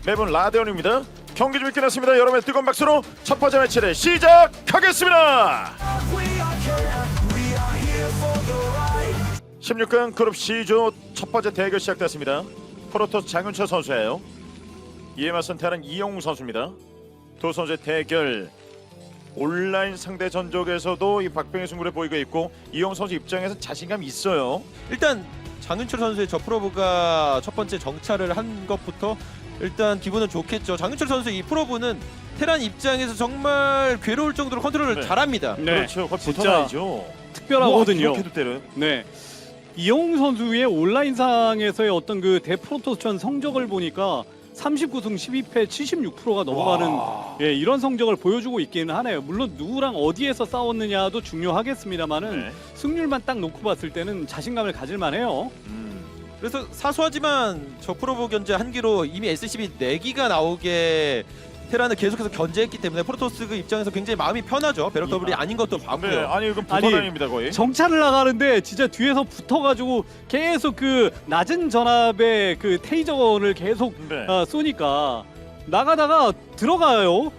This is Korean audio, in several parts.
매번 라데온입니다. 경기 준비 끝났습니다. 여러분의 뜨거운 박수로 첫 번째 매치를 시작하겠습니다. 16강 그룹 C조 첫 번째 대결 시작됐습니다. 프로토스 장윤철 선수예요. 이에 맞선 테란 이영웅 선수입니다. 두 선수의 대결 온라인 상대 전적에서도 이 박병의 승부를 보이고 있고 이영웅 선수 입장에서 자신감이 있어요. 일단 장윤철 선수의 저 프로브가 첫 번째 정찰을 한 것부터 일단 기분은 좋겠죠. 장윤철 선수 이 프로브는 테란 입장에서 정말 괴로울 정도로 컨트롤을 네. 잘합니다. 네, 그렇죠. 거의 진짜 붙어다니죠. 특별하거든요. 우와, 이렇게도 때려요. 네. 이영웅 선수의 온라인상에서의 어떤 그 대프로토스전 성적을 보니까 39승 12패 76%가 넘어가는 예, 이런 성적을 보여주고 있기는 하네요. 물론 누구랑 어디에서 싸웠느냐도 중요하겠습니다만은 네. 승률만 딱 놓고 봤을 때는 자신감을 가질 만해요. 그래서 사소하지만 저 프로브 견제 한 기로 이미 SCB 4기가 나오게 테란을 계속해서 견제했기 때문에 프로토스 그 입장에서 굉장히 마음이 편하죠. 배럭 더블이 아닌 것도 봤고요. 네, 아니 이건 아니, 붙어다닙니다 거의. 정찰을 나가는데 진짜 뒤에서 붙어가지고 계속 그 낮은 전압의 그 테이저건을 계속 네. 쏘니까 나가다가 들어가요.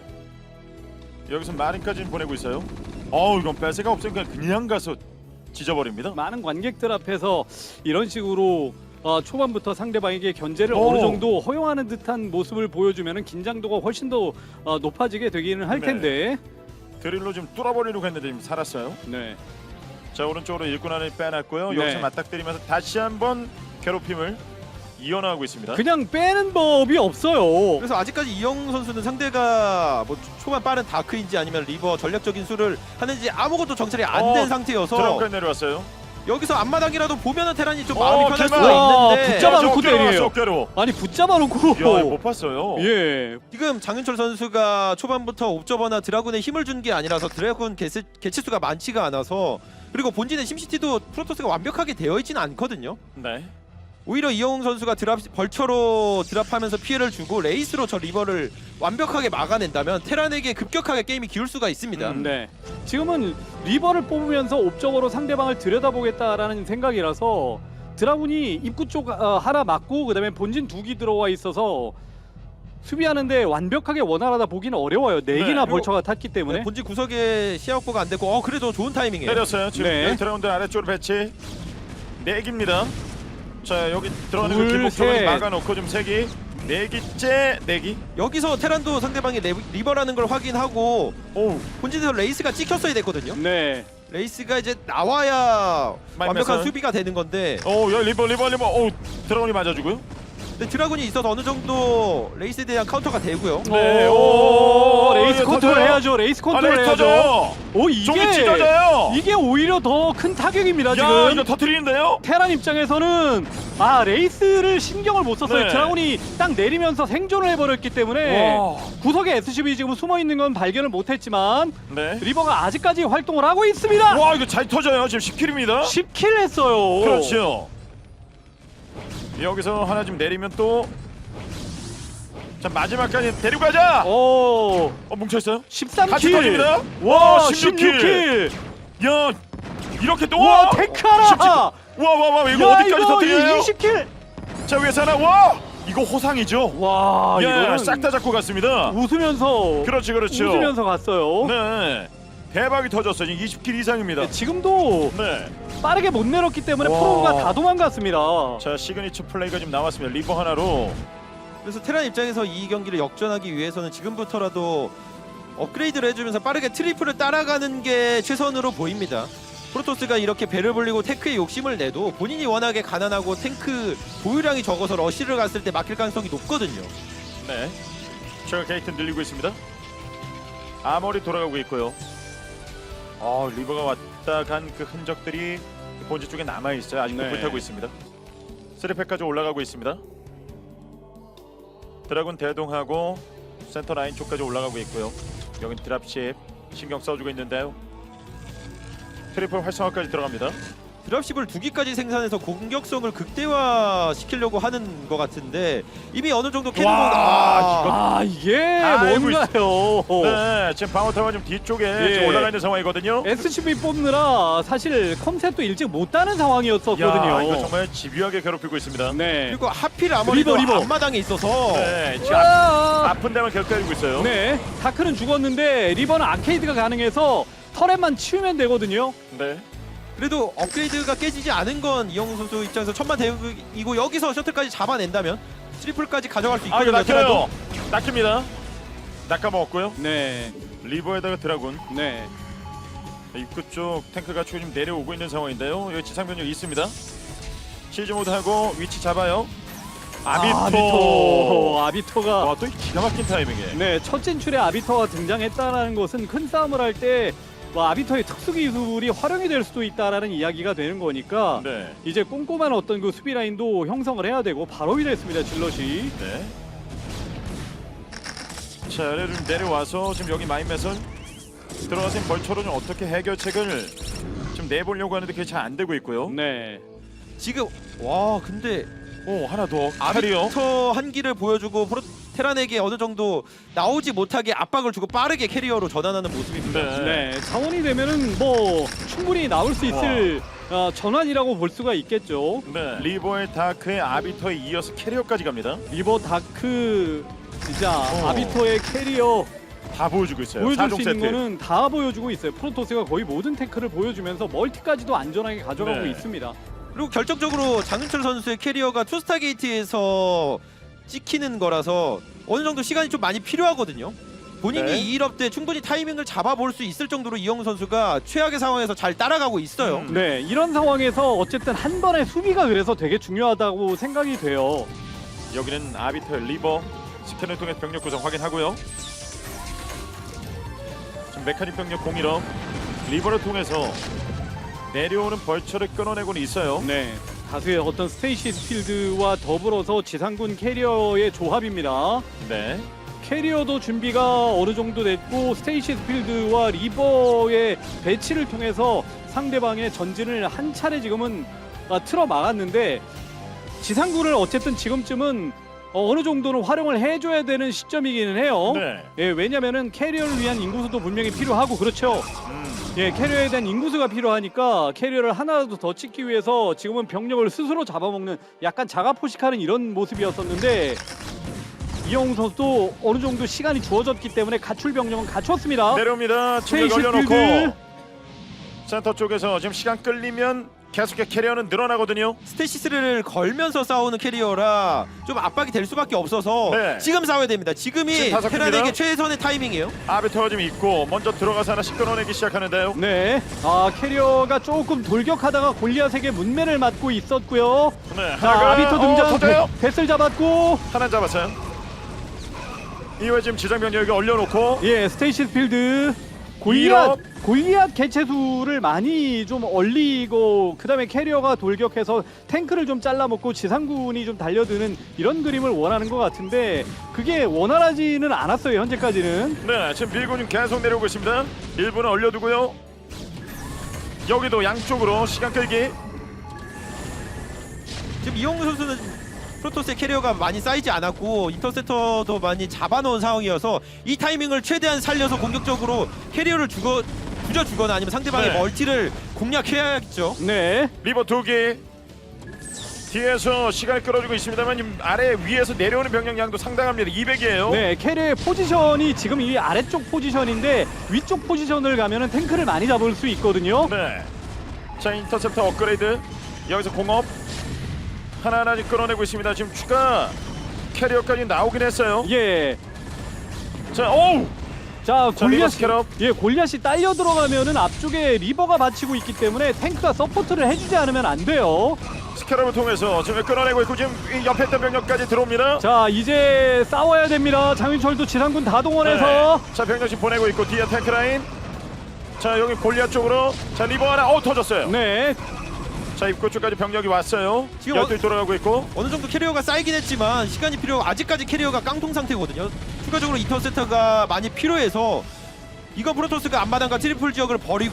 여기서 마린까지 보내고 있어요. 이건 뺄새가 없으니까 그냥 가서 지져버립니다. 많은 관객들 앞에서 이런 식으로 초반부터 상대방에게 견제를 오. 어느 정도 허용하는 듯한 모습을 보여주면 긴장도가 훨씬 더 높아지게 되기는 할 네. 텐데. 드릴로 좀 뚫어버리려고 했는데 지금 살았어요. 네. 자 오른쪽으로 일꾼 안을 빼놨고요. 네. 여기서 맞닥뜨리면서 다시 한번 괴롭힘을 이어나가고 있습니다. 그냥 빼는 법이 없어요. 그래서 아직까지 이영웅 선수는 상대가 뭐 초반 빠른 다크인지 아니면 리버 전략적인 수를 하는지 아무것도 정찰이 안 된 상태여서 드럼까지 내려왔어요. 여기서 앞마당이라도 보면은 테란이 좀 마음이 편할 길막. 수가 와, 있는데 붙잡아놓고 어깨로 때리네요. 왔어, 어깨로. 아니 붙잡아놓고. 야, 못 봤어요. 예. 지금 장윤철 선수가 초반부터 옵저버나 드라군에 힘을 준 게 아니라서 드래곤 개체수가 많지가 않아서 그리고 본진의 심시티도 프로토스가 완벽하게 되어 있지는 않거든요. 네. 오히려 이영웅 선수가 벌처로 드랍하면서 피해를 주고 레이스로 저 리버를 완벽하게 막아낸다면 테란에게 급격하게 게임이 기울 수가 있습니다. 네. 지금은 리버를 뽑으면서 옵저버로 상대방을 들여다보겠다라는 생각이라서 드라군이 입구 쪽 하나 막고 그다음에 본진 2기 들어와 있어서 수비하는데 완벽하게 원활하다 보기는 어려워요. 4기나 네. 벌처가 탔기 때문에. 네, 본진 구석에 시야 확보가 안 되고 그래도 좋은 타이밍이에요. 내렸어요. 지금 네. 여기 드라운드 아래쪽으로 배치. 4기입니다. 자 여기 들어가는 그 둘, 기복쪽을 셋. 막아놓고 좀 3기. 4기째 4기. 여기서 테란도 상대방이 리버라는 걸 확인하고 오. 본진에서 레이스가 찍혔어야 됐거든요. 네. 레이스가 이제 나와야 많이 완벽한 뺐어요? 수비가 되는 건데 야 리버. 드라운이 맞아주고요. 근데 드라군이 있어서 어느 정도 레이스에 대한 카운터가 되고요. 네. 오, 레이스 이거 컨트롤 터져요. 해야죠. 레이스 컨트롤 레이스 해야죠. 터져요. 오, 종이 찢어져요. 이게 오히려 더 큰 타격입니다, 야 지금. 이거 터트리는데요. 테란 입장에서는 레이스를 신경을 못 썼어요. 네. 드라군이 딱 내리면서 생존을 해버렸기 때문에 와. 구석에 SCB 지금 숨어 있는 건 발견을 못했지만 네. 리버가 아직까지 활동을 하고 있습니다. 와 이거 잘 터져요. 지금 10킬입니다. 10킬 했어요. 그렇죠. 여기서 하나 좀 내리면 또. 자 마지막까지 데리고 가자. 뭉쳐있어요? 13킬. 같이 터집니다. 와, 16킬. 16킬. 야 이렇게 또 와, 테카라. 와와와 이거 야, 어디까지 터뜨려요? 20킬. 자 위에서 하나 와 이거 호상이죠. 와, 이거는 싹 다 잡고 갔습니다. 웃으면서 그렇죠. 웃으면서 갔어요. 네 대박이 터졌어. 지금 20킬 이상입니다. 지금도 네. 빠르게 못 내렸기 때문에 와. 프로가 다 도망갔습니다. 자 시그니처 플레이가 지금 나왔습니다. 리버 하나로. 그래서 테란 입장에서 이 경기를 역전하기 위해서는 지금부터라도 업그레이드를 해주면서 빠르게 트리플을 따라가는 게 최선으로 보입니다. 프로토스가 이렇게 배를 불리고 테크에 욕심을 내도 본인이 워낙에 가난하고 탱크 보유량이 적어서 러쉬를 갔을 때 막힐 가능성이 높거든요. 네. 제가 게이트 늘리고 있습니다. 아머리 돌아가고 있고요. 리버가 왔다 간 그 흔적들이 본지 쪽에 남아 있어요. 아직도 네. 불타고 있습니다. 3팩까지 올라가고 있습니다. 드라군 대동하고 센터 라인 쪽까지 올라가고 있고요. 여긴 드랍십 신경 써주고 있는데요. 트리플 활성화까지 들어갑니다. 드랍십을 2기까지 생산해서 공격성을 극대화시키려고 하는 것 같은데 이미 어느 정도 캐리어 이게 다 알고 뭔가요? 네, 지금 방어타워가 좀 뒤쪽에 예. 지금 올라가 있는 상황이거든요. SCB 뽑느라 사실 컴셋도 일찍 못 따는 상황이었었거든요. 야, 이거 정말 집요하게 괴롭히고 있습니다. 네. 그리고 하필 아무리도 리버. 앞마당에 있어서 네, 지금 와! 아픈 데만 계속 때리고 있어요. 네. 다크는 죽었는데 리버는 아케이드가 가능해서 터렛만 치우면 되거든요. 네. 그래도 업그레이드가 깨지지 않은 건 이영웅 선수 입장에서 천만 대국이고 여기서 셔틀까지 잡아낸다면 트리플까지 가져갈 수 아, 이거 있거든요. 낚여요. 낚입니다. 낚아먹었고요. 네. 리버에다가 드라군. 네. 입구 쪽 탱크 갖추고 지금 내려오고 있는 상황인데요. 여기 지상병력 있습니다. 시즈 모드 하고 위치 잡아요. 아비토가 아비토가 또 기가 막힌 타이밍에. 네, 첫 진출에 아비터가 등장했다라는 것은 큰 싸움을 할 때 아비터의 특수 기술이 활용이 될 수도 있다라는 이야기가 되는 거니까 네. 이제 꼼꼼한 어떤 그 수비 라인도 형성을 해야 되고 바로 이랬습니다 질럿이. 네. 자, 아래로 좀 내려와서 지금 여기 마인맷을 들어가서 벌처로 좀 어떻게 해결책을 좀 내보려고 하는데 그게 잘 안 되고 있고요. 네. 지금 와 근데 오, 하나 더. 카리오. 아비터 한기를 보여주고 테란에게 어느 정도 나오지 못하게 압박을 주고 빠르게 캐리어로 전환하는 모습입니다. 네. 자원이 되면은 뭐 충분히 나올 수 있을 전환이라고 볼 수가 있겠죠. 네. 리버의 다크의 아비터에 이어서 캐리어까지 갑니다. 리버 다크 진짜 어. 아비터의 캐리어 다 보여주고 있어요. 보여줄 4종 수 있는 세트. 거는 다 보여주고 있어요. 프로토스가 거의 모든 태클을 보여주면서 멀티까지도 안전하게 가져가고 네. 있습니다. 그리고 결정적으로 장윤철 선수의 캐리어가 투스타 게이트에서 찍히는 거라서 어느 정도 시간이 좀 많이 필요하거든요. 본인이 네. 2일업 때 충분히 타이밍을 잡아볼 수 있을 정도로 이영우 선수가 최악의 상황에서 잘 따라가고 있어요. 네, 이런 상황에서 어쨌든 한 번의 수비가 그래서 되게 중요하다고 생각이 돼요. 여기는 아비터의 리버 스캔을 통해 병력 구성 확인하고요. 지금 메카닉 병력 01업 리버를 통해서 내려오는 벌처를 끊어내고는 있어요. 네, 다수의 어떤 스테이시스 필드와 더불어서 지상군 캐리어의 조합입니다. 네. 캐리어도 준비가 어느 정도 됐고 스테이시스 필드와 리버의 배치를 통해서 상대방의 전진을 한 차례 지금은 틀어 막았는데 지상군을 어쨌든 지금쯤은 어느 정도는 활용을 해줘야 되는 시점이기는 해요. 네. 예, 왜냐면은 캐리어를 위한 인구수도 분명히 필요하고 그렇죠. 예, 캐리어에 대한 인구수가 필요하니까 캐리어를 하나라도 더 찍기 위해서 지금은 병력을 스스로 잡아먹는 약간 자가포식하는 이런 모습이었었는데 이영웅 선수도 어느 정도 시간이 주어졌기 때문에 가출 병력은 갖췄습니다. 내려옵니다. 지금 스테이시스 걸려놓고 필드. 센터 쪽에서 지금 시간 끌리면 계속해 캐리어는 늘어나거든요. 스테시스를 걸면서 싸우는 캐리어라 좀 압박이 될 수밖에 없어서 네. 지금 싸워야 됩니다. 지금이 지금 다섯 테란에게 개입니다. 최선의 타이밍이에요. 아비터가 지금 있고 먼저 들어가서 하나씩 끊어내기 시작하는데요. 네, 캐리어가 조금 돌격하다가 골리앗에게 문매를 맞고 있었고요. 네. 자, 하나가 아비터 등장. 터져요. 뱃을 잡았고, 하나 잡았어요. 이후에 지금 지상병 여기 올려놓고 예, 스테이시스 필드 일업. 골리앗 개체수를 많이 좀 얼리고 그다음에 캐리어가 돌격해서 탱크를 좀 잘라먹고 지상군이 좀 달려드는 이런 그림을 원하는 것 같은데 그게 원활하지는 않았어요 현재까지는. 네, 지금 밀고는 계속 내려오고 있습니다. 1분은 올려두고요. 여기도 양쪽으로 시간 끌기. 지금 이영우 선수는 프로토스의 캐리어가 많이 쌓이지 않았고 인터셉터도 많이 잡아놓은 상황이어서 이 타이밍을 최대한 살려서 공격적으로 캐리어를 부져주거나 아니면 상대방의 네. 멀티를 공략해야겠죠. 네, 리버 2개. 뒤에서 시간을 끌어주고 있습니다만 지금 아래 위에서 내려오는 병력 양도 상당합니다. 200이에요. 네, 캐리어의 포지션이 지금 이 아래쪽 포지션인데 위쪽 포지션을 가면은 탱크를 많이 잡을 수 있거든요. 네. 자, 인터셉터 업그레이드. 여기서 공업 하나하나 지금 끌어내고 있습니다. 지금 추가 캐리어까지 나오긴 했어요. 예. 자, 오우. 자, 자, 리버 골리앗이 스캐럽. 골리앗이 딸려 들어가면은 앞쪽에 리버가 받치고 있기 때문에 탱크가 서포트를 해주지 않으면 안 돼요. 스캐럽을 통해서 지금 끌어내고 있고 지금 이 옆에 있던 병력까지 들어옵니다. 자, 이제 싸워야 됩니다. 장윤철도 지상군 다 동원해서. 네. 자, 병력씩 보내고 있고 뒤에 탱크 라인. 자, 여기 골리앗 쪽으로. 자, 리버 하나 터졌어요. 네. 자, 입구 쪽까지 병력이 왔어요. 지금 열둘 돌아가고 있고. 어느 정도 캐리어가 쌓이긴 했지만 시간이 아직까지 캐리어가 깡통 상태거든요. 추가적으로 인터셉터가 많이 필요해서 이거 프로토스가 앞마당과 트리플 지역을 버리고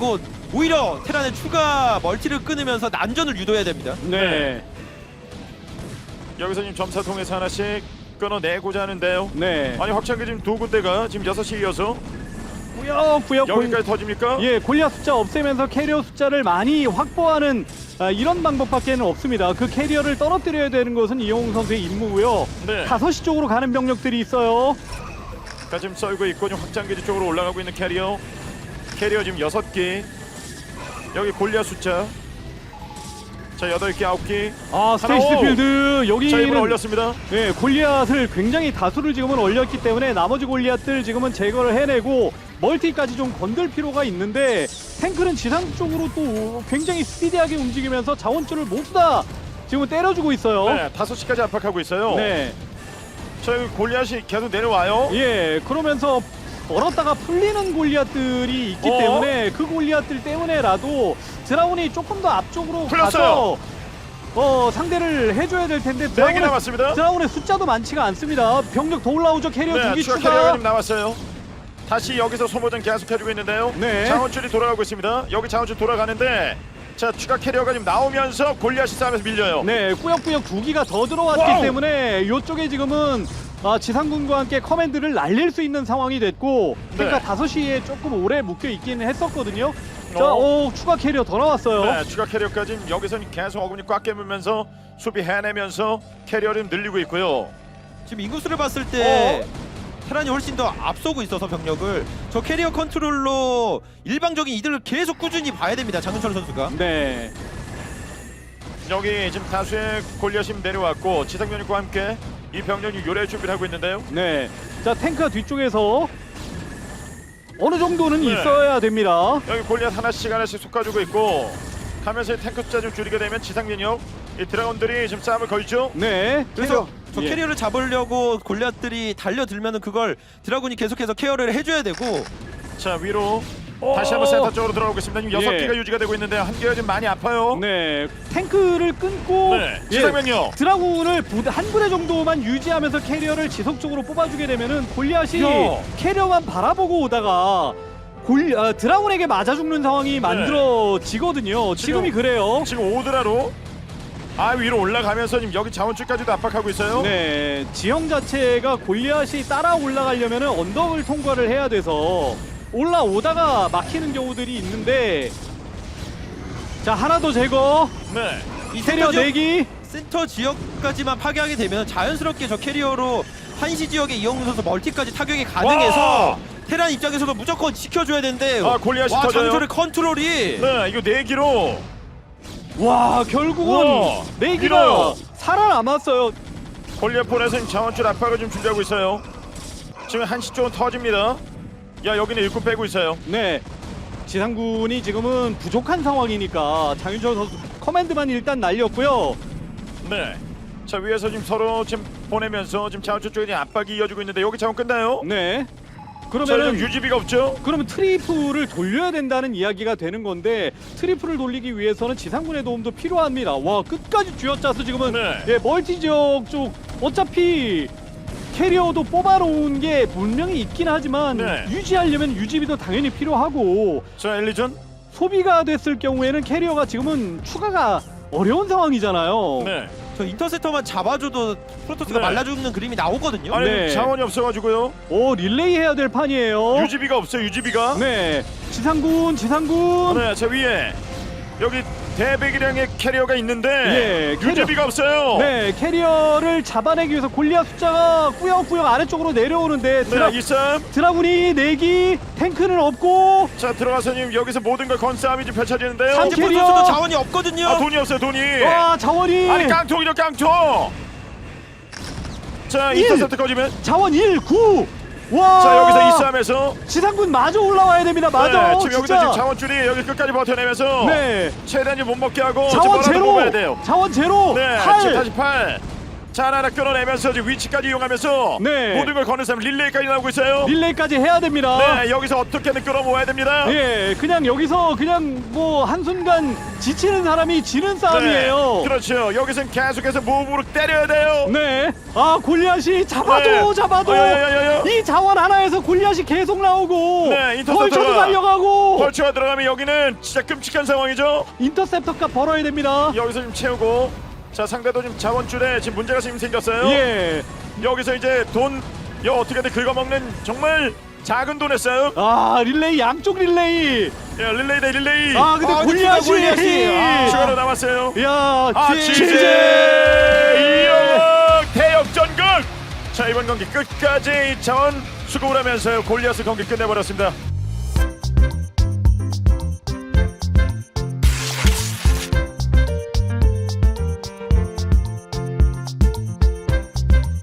오히려 테란의 추가 멀티를 끊으면서 난전을 유도해야 됩니다. 네. 여기서 지금 점사 통해서 하나씩 끊어내고자 하는데요. 네. 아니 확장기 지금 두 군데가 지금 6시 이어서 꾸역꾸역 여기까지 터집니까? 예, 골리앗 숫자 없애면서 캐리어 숫자를 많이 확보하는 이런 방법밖에는 없습니다. 그 캐리어를 떨어뜨려야 되는 것은 이영웅 선수의 임무고요. 네. 5시 쪽으로 가는 병력들이 있어요. 자, 지금 썰고 있고 지금 확장기지 쪽으로 올라가고 있는 캐리어 지금 6개. 여기 골리앗 숫자 자 8개 9개. 스테이시 하나, 필드 자 이번에 여기는 올렸습니다. 예, 골리앗을 굉장히 다수를 지금은 올렸기 때문에 나머지 골리앗들 지금은 제거를 해내고 멀티까지 좀 건들 필요가 있는데 탱크는 지상 쪽으로 또 굉장히 스피디하게 움직이면서 자원줄을 모두 다 지금은 때려주고 있어요. 네 5시까지 압박하고 있어요. 네. 자 여기 골리앗이 계속 내려와요. 예, 그러면서 얼었다가 풀리는 골리앗들이 있기 때문에 그 골리앗들 때문에라도 드라군이 조금 더 앞쪽으로 풀렸어요. 가서 상대를 해줘야 될 텐데 4개 남았습니다. 드라군의 숫자도 많지가 않습니다. 병력 더 올라오죠. 캐리어 네, 2개 추가 추가. 캐리어가 지금 나왔어요. 다시 여기서 소모전 계속 해주고 있는데요. 네. 자원줄이 돌아가고 있습니다. 여기 자원줄 돌아가는데 자 추가 캐리어가 지금 나오면서 골리앗이 싸움에서 밀려요. 네, 꾸역꾸역 2기가 더 들어왔기 와우. 때문에 이쪽에 지금은 지상군과 함께 커맨드를 날릴 수 있는 상황이 됐고 그러니까 네. 5시에 조금 오래 묶여 있기는 했었거든요. 자, 어. 추가 캐리어 더 나왔어요. 네, 추가 캐리어까지 여기서는 계속 어금니 꽉 깨물면서 수비 해내면서 캐리어를 늘리고 있고요. 지금 인구수를 봤을 때 테란이 훨씬 더 앞서고 있어서 병력을 저 캐리어 컨트롤로 일방적인 이득을 계속 꾸준히 봐야 됩니다. 장윤철 선수가. 네. 여기 지금 다수의 골리앗이 내려왔고 지상병력과 함께 이 병력이 요래 준비를 하고 있는데요. 네. 자, 탱크가 뒤쪽에서 어느 정도는 네. 있어야 됩니다. 여기 골리앗 하나씩 솎아주고 있고 가면서 탱크 숫자 좀 줄이게 되면 지상병력 이 드라곤들이 지금 싸움을 걸죠. 네. 그래서 저 예. 캐리어를 잡으려고 골리앗들이 달려들면은 그걸 드라군이 계속해서 케어를 해줘야 되고 자 위로 다시 한번 센터 쪽으로 들어가고 있습니다. 지금 6개가 유지가 되고 있는데 한 개가 좀 많이 아파요. 네. 탱크를 끊고 네, 예, 지상병력. 드라군을 한 부대 정도만 유지하면서 캐리어를 지속적으로 뽑아주게 되면은 골리앗이 야. 캐리어만 바라보고 오다가 드라군에게 맞아 죽는 상황이 만들어지거든요. 지금이 그래요. 지금 오드라로 위로 올라가면서 지금 여기 자원줄까지도 압박하고 있어요. 네, 지형 자체가 골리앗이 따라 올라가려면은 언덕을 통과를 해야 돼서 올라오다가 막히는 경우들이 있는데 자, 하나 더 제거. 네. 이 캐리어 센터 지역, 4기. 센터 지역까지만 파괴하게 되면 자연스럽게 저 캐리어로 한시 지역의 이영훈 선수 멀티까지 타격이 가능해서 와. 테란 입장에서도 무조건 지켜줘야 되는데 골리앗이 터져요. 장윤철의 컨트롤이 네, 이거 4기로 와, 결국은 우와, 4기가 밀어요. 살아남았어요. 골리앗 폰에서 자원줄 압박을 좀 준비하고 있어요. 지금 한시 쪽은 터집니다. 야 여기는 일꾼 빼고 있어요. 네, 지상군이 지금은 부족한 상황이니까 장윤철 선수 커맨드만 일단 날렸고요. 네. 자 위에서 지금 서로 지금 보내면서 지금 자원줄 쪽에 압박이 이어지고 있는데 여기 자원 끝나요? 네, 자 그러면은 지금 유지비가 없죠? 그러면 트리플을 돌려야 된다는 이야기가 되는 건데 트리플을 돌리기 위해서는 지상군의 도움도 필요합니다. 와, 끝까지 쥐어짜서 지금은 네. 예, 멀티 지역 쪽 어차피 캐리어도 뽑아놓은 게 분명히 있긴 하지만 네. 유지하려면 유지비도 당연히 필요하고 자 엘리전. 소비가 됐을 경우에는 캐리어가 지금은 추가가 어려운 상황이잖아요. 네. 저 인터셉터만 잡아줘도 프로토스가 네. 말라 죽는 그림이 나오거든요. 아니 네. 자원이 없어가지고요. 오, 릴레이 해야 될 판이에요. 유지비가 없어요. 유지비가. 네, 지상군. 네, 저 위에 여기 대배기량의 캐리어가 있는데 예, 유지비가 없어요. 네, 캐리어를 잡아내기 위해서 골리앗 숫자가 꾸역꾸역 아래쪽으로 내려오는데 네, 이쌈. 드라군이 4기, 탱크는 없고 자 들어가서 지금 여기서 모든 걸 건싸움이 좀 펼쳐지는데요. 삼- 현재 캐리어! 프로토스도 자원이 없거든요. 돈이 없어요. 돈이. 와, 자원이 아니 깡통이죠 깡통. 자 일. 인터셉트 꺼지면. 자원 1, 9. 와, 자 여기서 이 싸움에서. 지상군 마저 올라와야 됩니다. 마저. 네, 지금 여기서 진짜. 지금 자원줄이 여기 끝까지 버텨내면서 네, 최대한 못 먹게 하고 자원 지금 뭐라도 제로. 먹어야 돼요. 자원 제로. 네, 8. 지금 다시 8. 자 하나 끌어내면서 지금 위치까지 이용하면서 네. 모든 걸 거는 사람 릴레이까지 나오고 있어요. 릴레이까지 해야 됩니다. 네, 여기서 어떻게든 끌어모아야 됩니다. 예, 그냥 여기서 그냥 뭐 한순간 지치는 사람이 지는 싸움이에요. 그렇죠. 여기서는 계속해서 무브로 때려야 돼요. 네. 아, 골리앗이 잡아도 네. 잡아도 이 자원 하나에서 골리앗이 계속 나오고 네, 인터셉터가 벌쳐도 달려가고 벌처가 들어가면 여기는 진짜 끔찍한 상황이죠. 인터셉터가 벌어야 됩니다. 여기서 지금 채우고 자 상대도 지금 자원줄에 지금 문제가 지금 생겼어요. 예. 여기서 이제 돈 어떻게든 긁어먹는 정말 작은 돈의 싸움. 아, 릴레이 양쪽 릴레이. 야, 릴레이 대 릴레이. 아, 근데 골리앗이 추가로 남았어요. 야, 이영웅 대역전극. 자 이번 경기 끝까지 자원 수급을 하면서요 골리앗을 경기 끝내버렸습니다.